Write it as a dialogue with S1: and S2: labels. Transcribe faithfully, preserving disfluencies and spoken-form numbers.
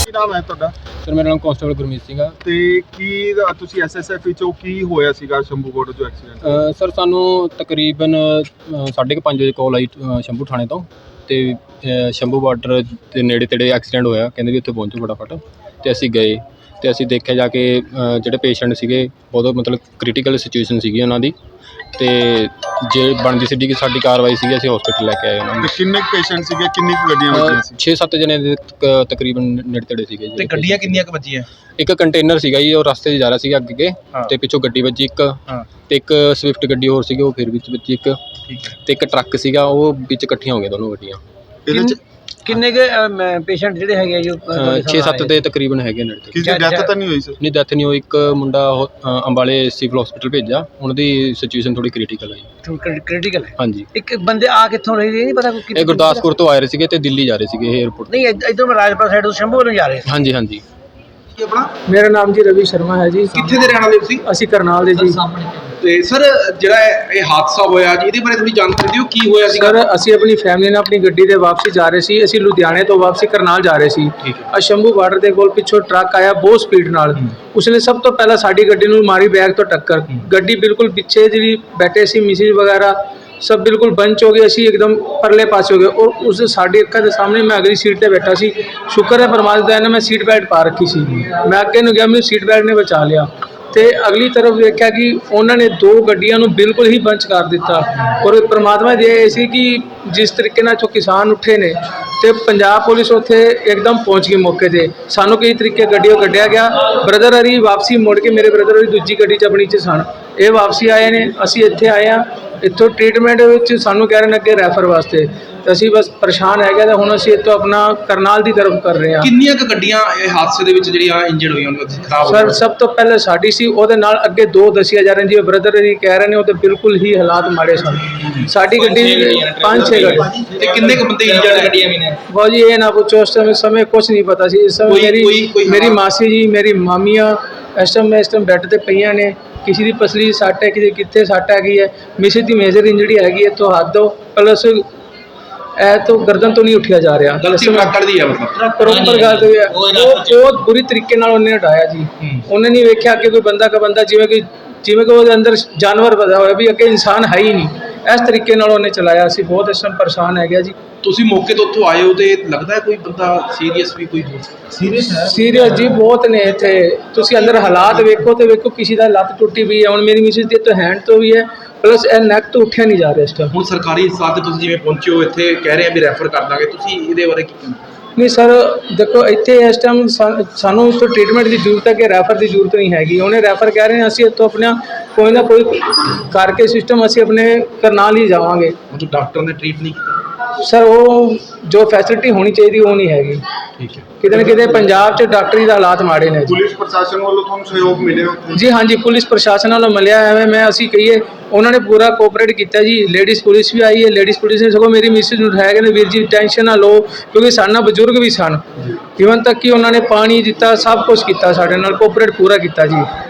S1: ਕੀ ਨਾਮ ਹੈ ਤੁਹਾਡਾ?
S2: ਸਰ ਮੇਰਾ ਨਾਮ ਕਾਂਸਟੇਬਲ ਗੁਰਮੀਤ ਸਿੰਘ ਆ।
S1: ਤੇ ਕੀ ਤੁਸੀਂ ਐਸਐਸਐਫ ਵਿੱਚੋਂ ਕੀ ਹੋਇਆ ਸੀਗਾ ਸ਼ੰਭੂ ਬਾਰਡਰ 'ਚੋਂ ਐਕਸੀਡੈਂਟ?
S2: ਸਰ ਸਾਨੂੰ ਤਕਰੀਬਨ ਸਾਢੇ ਕੁ ਪੰਜ ਵਜੇ ਕਾਲ ਆਈ ਸ਼ੰਭੂ ਥਾਣੇ ਤੋਂ, ਤੇ ਸ਼ੰਭੂ ਬਾਰਡਰ ਦੇ ਨੇੜੇ ਤੇੜੇ ਐਕਸੀਡੈਂਟ ਹੋਇਆ। ਕਹਿੰਦੇ ਵੀ ਉੱਥੇ ਪਹੁੰਚੋ ਫਟਾਫਟ, ਤੇ ਅਸੀਂ ਗਏ ਤੇ ਅਸੀਂ ਦੇਖਿਆ ਜਾ ਕੇ ਜਿਹੜੇ ਪੇਸ਼ੈਂਟ ਸੀਗੇ ਬਹੁਤ ਮਤਲਬ ਕ੍ਰਿਟੀਕਲ ਸਿਚੁਏਸ਼ਨ ਸੀਗੀ ਉਹਨਾਂ ਦੀ, ਤੇ ਜੇ ਬਣਦੀ ਸੀ ਕਿ ਸਾਡੀ ਕਾਰਵਾਈ ਸੀਗੀ ਅਸੀਂ ਹਸਪੀਟਲ ਲੈ ਕੇ ਆਏ ਉਹਨਾਂ ਨੂੰ।
S1: ਕਿੰਨੇ ਪੇਸ਼ੈਂਟ ਸੀਗੇ, ਕਿੰਨੀ ਕੁ ਗੱਡੀਆਂ ਵੱਜੀਆਂ ਸੀ?
S2: ਛੇ ਸੱਤ ਜਣੇ ਦੇ ਤਕਰੀਬਨ ਨੇੜੇ ਤੇੜੇ ਸੀਗੇ ਜੀ।
S3: ਤੇ ਗੱਡੀਆਂ ਕਿੰਨੀਆਂ ਕੁ ਵੱਜੀਆਂ?
S2: ਇੱਕ ਕੰਟੇਨਰ ਸੀਗਾ ਜੀ, ਉਹ ਰਸਤੇ 'ਚ ਜਾ ਰਿਹਾ ਸੀਗਾ ਅੱਗੇ, ਤੇ ਪਿੱਛੋਂ ਗੱਡੀ ਵੱਜੀ ਇੱਕ, ਤੇ ਇੱਕ ਸਵਿਫਟ ਗੱਡੀ ਹੋਰ ਸੀਗੀ ਉਹ ਫਿਰ ਵਿੱਚ ਵੱਜੀ ਇੱਕ, ਤੇ ਇੱਕ ਟਰੱਕ ਸੀਗਾ ਉਹ ਵਿੱਚ ਇਕੱਠੀਆਂ ਹੋ ਗਈਆਂ ਦੋਨੋਂ ਗੱਡੀਆਂ।
S1: ਇਹਦੇ 'ਚ
S3: ਕਿੰਨੇ ਕੇ ਪੇਸ਼ੈਂਟ ਜਿਹੜੇ ਹੈਗੇ ਜੋ
S2: ਛੇ ਸੱਤ ਦੇ ਤਕਰੀਬਨ ਹੈਗੇ ਨੇੜੇ।
S1: ਕਿਸੇ ਦੀ ਡੈਥ ਤਾਂ ਨਹੀਂ ਹੋਈ ਸਰ?
S2: ਨਹੀਂ, ਡੈਥ ਨਹੀਂ ਹੋਈ। ਇੱਕ ਮੁੰਡਾ ਅੰਬਾਲੇ ਸਿਵਲ ਹਸਪੀਟਲ ਭੇਜਿਆ, ਉਹਨਾਂ ਦੀ ਸਿਚੁਏਸ਼ਨ ਥੋੜੀ ਕ੍ਰਿਟੀਕਲ ਹੈ।
S3: ਕ੍ਰਿਟੀਕਲ ਹੈ
S2: ਹਾਂਜੀ।
S3: ਇੱਕ ਬੰਦੇ ਆ ਕਿੱਥੋਂ ਰਹੇ ਨਹੀਂ ਪਤਾ?
S2: ਇਹ ਗੁਰਦਾਸਪੁਰ ਤੋਂ ਆ ਰਹੇ ਸੀਗੇ ਤੇ ਦਿੱਲੀ ਜਾ ਰਹੇ ਸੀਗੇ ਏਅਰਪੋਰਟ।
S3: ਨਹੀਂ, ਇੱਧਰੋਂ ਰਾਜਪੁਰਾ ਸਾਈਡ ਤੋਂ ਸ਼ੰਭੂ ਵੱਲੋਂ ਜਾ ਰਹੇ ਸੀ।
S2: ਹਾਂਜੀ ਹਾਂਜੀ।
S3: ਆਪਣਾ
S4: ਮੇਰਾ ਨਾਮ ਜੀ ਰਵੀ ਸ਼ਰਮਾ ਹੈ ਜੀ।
S3: ਕਿੱਥੇ ਦੇ ਰਹਿਣ ਵਾਲੇ ਤੁਸੀਂ?
S4: ਅਸੀਂ ਕਰਨਾਲ ਦੇ ਜੀ।
S3: ਤੇ ਸਰ ਜਿਹੜਾ ਇਹ ਹਾਦਸਾ ਹੋਇਆ ਜੀ, ਇਹਦੇ ਬਾਰੇ ਥੋੜੀ ਜਾਣਕਾਰੀ ਦਿਓ, ਕੀ ਹੋਇਆ ਸੀ?
S4: ਸਰ ਅਸੀਂ ਆਪਣੀ ਫੈਮਿਲੀ ਨਾਲ ਆਪਣੀ ਗੱਡੀ ਦੇ ਵਾਪਸੀ ਜਾ ਰਹੇ ਸੀ। ਅਸੀਂ ਲੁਧਿਆਣੇ ਤੋਂ ਵਾਪਸੀ ਕਰਨਾਲ ਜਾ ਰਹੇ ਸੀ। ਆ ਸ਼ੰਭੂ ਬਾਰਡਰ ਦੇ ਕੋਲ ਪਿੱਛੋਂ ਟਰੱਕ ਆਇਆ ਬਹੁਤ ਸਪੀਡ ਨਾਲ। ਉਸਨੇ ਸਭ ਤੋਂ ਪਹਿਲਾਂ ਸਾਡੀ ਗੱਡੀ ਨੂੰ ਮਾਰੀ ਬੈਕ ਤੋਂ ਟੱਕਰ। ਗੱਡੀ ਬਿਲਕੁਲ ਪਿੱਛੇ ਜਿਹੜੀ ਬੈਠੇ ਸੀ ਮਿਸਿਸ ਵਗੈਰਾ सब बिल्कुल बंच हो गए, असी एकदम परले पास हो गए, और उस साड़ी अक्खा के सामने मैं अगली सीट पर बैठा सी। शुक्र है परमात्मा ने मैं सीट बेल्ट पा रखी सी। मैं अगे ਨੂੰ ਗਿਆ, ਮੈਨੂੰ सीट बेल्ट ने बचा लिया। ਤੇ ਅਗਲੀ ਤਰਫ ਵੇਖਿਆ ਕਿ ਉਹਨਾਂ ਨੇ ਦੋ ਗੱਡੀਆਂ ਨੂੰ ਬਿਲਕੁਲ ਹੀ ਬੰਚ ਕਰ ਦਿੱਤਾ। ਔਰ ਪਰਮਾਤਮਾ ਦੀ ਇਹ ਸੀ ਕਿ ਜਿਸ ਤਰੀਕੇ ਨਾਲ ਜੋ ਕਿਸਾਨ ਉੱਠੇ ਨੇ ਤੇ ਪੰਜਾਬ ਪੁਲਿਸ ਉੱਥੇ ਇੱਕਦਮ ਪਹੁੰਚ ਗਈ ਮੌਕੇ 'ਤੇ। ਸਾਨੂੰ ਕਈ ਤਰੀਕੇ ਗੱਡੀਆਂ ਕੱਢਿਆ ਗਿਆ। ਬ੍ਰਦਰ ਹਰੀ ਵਾਪਸੀ ਮੁੜ ਕੇ, ਮੇਰੇ ਬ੍ਰਦਰ ਹਰੀ ਦੂਜੀ ਗੱਡੀ 'ਚ ਆਪਣੀ 'ਚ ਸਨ, ਇਹ ਵਾਪਸੀ ਆਏ ਨੇ। ਅਸੀਂ ਇੱਥੇ ਆਏ ਹਾਂ, ਇੱਥੋਂ ਟ੍ਰੀਟਮੈਂਟ ਵਿੱਚ ਸਾਨੂੰ ਕਹਿ ਰਹੇ ਨੇ ਅੱਗੇ ਰੈਫਰ ਵਾਸਤੇ, ਤੇ ਅਸੀਂ ਬਸ ਪਰੇਸ਼ਾਨ ਹੈਗੇ। ਤਾਂ ਹੁਣ ਅਸੀਂ ਇੱਥੋਂ ਆਪਣਾ ਕਰਨਾਲ ਦੀ ਤਰਫ ਕਰ ਰਹੇ ਹਾਂ।
S3: ਕਿੰਨੀਆਂ ਕੁ ਗੱਡੀਆਂ ਇਹ ਹਾਦਸੇ ਦੇ ਵਿੱਚ ਜਿਹੜੀਆਂ ਇੰਜਰਡ ਹੋਈਆਂ ਉਹਨਾਂ ਦੀ ਖਰਾਬ?
S4: ਸਰ ਸਭ ਤੋਂ ਪਹਿਲੇ ਸਾਡੀ ਸੀ, ਉਹਦੇ ਨਾਲ ਅੱਗੇ ਦੋ ਦੱਸੀਆਂ ਜਾ ਰਹੀਆਂ ਜੀ। ਬ੍ਰਦਰ ਜੀ ਕਹਿ ਰਹੇ ਨੇ ਉਹ ਤੇ ਬਿਲਕੁਲ ਹੀ ਹਾਲਾਤ ਮਾੜੇ ਸਨ। ਸਾਡੀ ਗੱਡੀ ਪੰਜ ਛੇ ਗੱਡੀ।
S3: ਤੇ ਕਿੰਨੇ ਕੁ ਬੰਦੇ ਇੰਜਰਡ ਗੱਡੀਆਂ ਵੀ ਨੇ?
S4: ਬਹੁਤ ਜੀ ਇਹ ਨਾ ਪੁੱਛੋ, ਉਸ ਸਮੇਂ ਸਮੇਂ ਕੁਛ ਨਹੀਂ ਪਤਾ ਸੀ। ਇਸ ਸਮੇਂ ਮੇਰੀ ਮੇਰੀ ਮਾਸੀ ਜੀ, ਮੇਰੀ ਮਾਮੀਆਂ ਇਸ ਟਾਈਮ ਇਸ ਟਾਈਮ ਬੈੱਡ 'ਤੇ ਪਈਆਂ ਨੇ। ਕਿਸੇ ਦੀ ਪਸਲੀ ਸੱਟ ਹੈ, ਕਿਸੇ ਕਿੱਥੇ ਸੱਟ ਹੈਗੀ ਹੈ। ਮਿਸਿਸ ਦੀ ਮੇਜਰ ਇੰਜਰੀ ਹੈਗੀ ਹੈ ਤੋਂ ਹੱਥ ਦੋ ਪਲਸ ਇਹ ਤੋਂ ਗਰਦਨ ਤੋਂ ਨਹੀਂ ਉੱਠਿਆ ਜਾ ਰਿਹਾ।
S3: ਗਲਤੀ ਟਰੱਕ ਦੀ ਹੈ ਮਤਲਬ?
S4: ਪ੍ਰੋਪਰ ਗੱਲ ਹੋਈ ਹੈ। ਉਹ ਬਹੁਤ ਬੁਰੀ ਤਰੀਕੇ ਨਾਲ ਉਹਨੇ ਹਟਾਇਆ ਜੀ। ਉਹਨੇ ਨਹੀਂ ਵੇਖਿਆ ਕਿ ਕੋਈ ਬੰਦਾ ਕਾ ਬੰਦਾ ਜਿਵੇਂ ਕਿ ਜਿਵੇਂ ਕਿ ਉਹਦੇ ਅੰਦਰ ਜਾਨਵਰ ਵਜਾ ਹੋਇਆ ਵੀ ਅੱਗੇ ਇਨਸਾਨ ਹੈ ਹੀ ਨਹੀਂ। ਇਸ ਤਰੀਕੇ ਨਾਲ ਉਹਨੇ ਚਲਾਇਆ। ਅਸੀਂ ਬਹੁਤ ਇਸ ਟਾਈਮ ਪਰੇਸ਼ਾਨ ਹੈਗੇ ਜੀ।
S3: ਤੁਸੀਂ ਮੌਕੇ ਤੋਂ ਉੱਥੋਂ ਆਏ ਹੋ ਤੇ ਲੱਗਦਾ ਹੈ ਕੋਈ ਬੰਦਾ ਸੀਰੀਅਸ ਵੀ ਕੋਈ ਹੋ ਸਕਦਾ? ਸੀਰੀਅਸ ਹੈ?
S4: ਸੀਰੀਅਸ ਜੀ ਬਹੁਤ ਨੇ ਇੱਥੇ। ਤੁਸੀਂ ਅੰਦਰ ਹਾਲਾਤ ਵੇਖੋ ਤੇ ਵੇਖੋ, ਕਿਸੇ ਦਾ ਲੱਤ ਟੁੱਟੀ ਵੀ ਹੈ। ਹੁਣ ਮੇਰੀ ਮਿਸਿਸ ਦੀ ਤਾਂ ਹੈਂਡ ਤੋਂ ਵੀ ਹੈ, ਪਲਸ ਇਹ ਨੈਕ ਤੋਂ ਉੱਠਿਆ ਨਹੀਂ ਜਾ ਰਿਹਾ ਇਸ ਟਾਈਮ।
S3: ਹੁਣ ਸਰਕਾਰੀ ਹਿਸਾਬ ਤੇ ਤੁਸੀਂ ਜਿਵੇਂ ਪਹੁੰਚੇ ਹੋ ਇੱਥੇ, ਕਹਿ ਰਹੇ ਆ ਵੀ ਰੈਫਰ ਕਰ ਦਾਂਗੇ, ਤੁਸੀਂ ਇਹਦੇ ਬਾਰੇ ਕੀ ਕਹਿੰਦੇ?
S4: ਨਹੀਂ ਸਰ ਦੇਖੋ, ਇੱਥੇ ਇਸ ਟਾਈਮ ਸਾਨੂੰ ਇੱਥੋਂ ਟ੍ਰੀਟਮੈਂਟ ਦੀ ਜ਼ਰੂਰਤ ਹੈ ਕਿ ਰੈਫਰ ਦੀ ਜ਼ਰੂਰਤ ਨਹੀਂ ਹੈਗੀ। ਉਹਨੇ ਰੈਫਰ ਕਹਿ ਰਹੇ ਨੇ, ਅਸੀਂ ਇੱਥੋਂ ਆਪਣਾ ਕੋਈ ਨਾ ਕੋਈ ਕਰਕੇ ਸਿਸਟਮ ਅਸੀਂ ਆਪਣੇ ਕਰਨਾਲ ਹੀ ਜਾਵਾਂਗੇ।
S3: ਮਤਲਬ ਡਾਕਟਰ ਨੇ ਟ੍ਰੀਟ ਨਹੀਂ ਕੀਤਾ?
S4: ਸਰ ਉਹ ਜੋ ਫੈਸਿਲਿਟੀ ਹੋਣੀ ਚਾਹੀਦੀ ਉਹ ਨਹੀਂ ਹੈਗੀ।
S3: ਠੀਕ ਹੈ।
S4: ਕਿਤੇ ਨਾ ਕਿਤੇ ਪੰਜਾਬ 'ਚ ਡਾਕਟਰੀ ਦਾ ਹਾਲਾਤ ਮਾੜੇ ਨੇ।
S1: ਪੁਲਿਸ ਪ੍ਰਸ਼ਾਸਨ ਵੱਲੋਂ ਤੁਹਾਨੂੰ ਸਹਿਯੋਗ ਮਿਲਿਆ ਉੱਥੇ?
S4: ਜੀ ਹਾਂਜੀ, ਪੁਲਿਸ ਪ੍ਰਸ਼ਾਸਨ ਵੱਲੋਂ ਮਿਲਿਆ। ਐਵੇਂ ਮੈਂ ਅਸੀਂ ਕਹੀਏ ਉਹਨਾਂ ਨੇ ਪੂਰਾ ਕੋਆਪਰੇਟ ਕੀਤਾ ਜੀ। ਲੇਡੀਜ਼ ਪੁਲਿਸ ਵੀ ਆਈ ਹੈ। ਲੇਡੀਜ਼ ਪੁਲਿਸ ਨੇ ਸਗੋਂ ਮੇਰੀ ਮਿਸਿਸ ਨੂੰ ਉਠਾਇਆ, ਕਹਿੰਦੇ ਵੀਰ ਜੀ ਟੈਨਸ਼ਨ ਨਾ ਲਓ, ਕਿਉਂਕਿ ਸਾਡੇ ਨਾਲ ਬਜ਼ੁਰਗ ਵੀ ਸਨ। ਇਵਨ ਤੱਕ ਕਿ ਉਹਨਾਂ ਨੇ ਪਾਣੀ ਦਿੱਤਾ, ਸਭ ਕੁਛ ਕੀਤਾ, ਸਾਡੇ ਨਾਲ ਕੋਆਪਰੇਟ ਪੂਰਾ ਕੀਤਾ ਜੀ।